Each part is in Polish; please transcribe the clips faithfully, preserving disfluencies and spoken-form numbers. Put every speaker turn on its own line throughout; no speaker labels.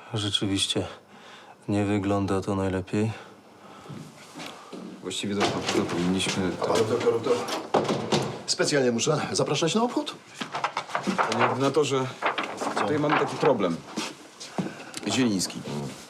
Rzeczywiście nie wygląda to najlepiej.
Właściwie to no, powinniśmy...
A panu doktorów to specjalnie muszę zapraszać na obchód?
Panie ordynatorze, tutaj mamy taki problem. Zieliński.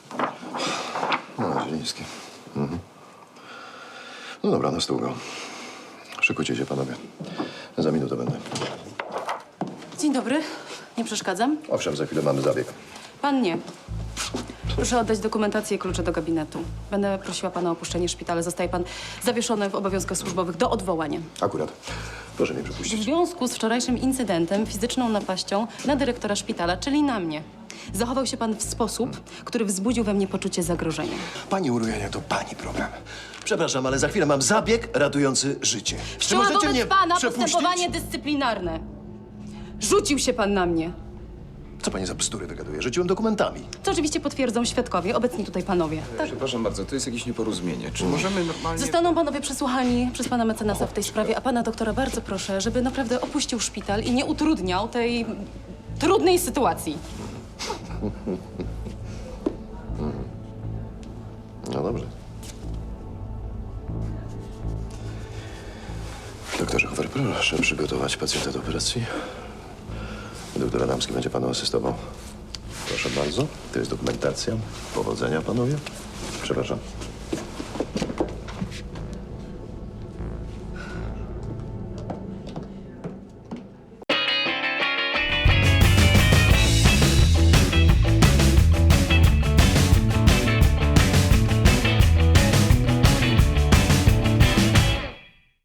No, Zieliński. Mhm. No dobra, na stół go. Szykujcie się, panowie. Za minutę będę.
Dzień dobry. Nie przeszkadzam?
Owszem, za chwilę mamy zabieg.
Pan nie. Proszę oddać dokumentację i klucze do gabinetu. Będę prosiła pana o opuszczenie szpitala. Zostaje pan zawieszony w obowiązkach służbowych do odwołania.
Akurat. Proszę mnie
W
przepuścić.
związku z wczorajszym incydentem, fizyczną napaścią na dyrektora szpitala, czyli na mnie, zachował się pan w sposób, który wzbudził we mnie poczucie zagrożenia.
Pani Urujania, to pani problem. Przepraszam, ale za chwilę mam zabieg ratujący życie. Czy
Wszczęłam
możecie mnie
wobec pana
przepuścić?
postępowanie dyscyplinarne. Rzucił się pan na mnie.
Co pani za bzdury wygaduje? Rzuciłem dokumentami.
Co oczywiście potwierdzą świadkowie, obecni tutaj panowie. Tak.
Przepraszam bardzo, to jest jakieś nieporozumienie. Czy możemy normalnie...
Zostaną panowie przesłuchani przez pana mecenasa w tej sprawie, a pana doktora bardzo proszę, żeby naprawdę opuścił szpital i nie utrudniał tej trudnej sytuacji.
No dobrze. Doktorze Hofer, proszę przygotować pacjenta do operacji. Doktor Adamski będzie panu asystował. Proszę bardzo. To jest dokumentacja. Powodzenia, panowie. Przepraszam.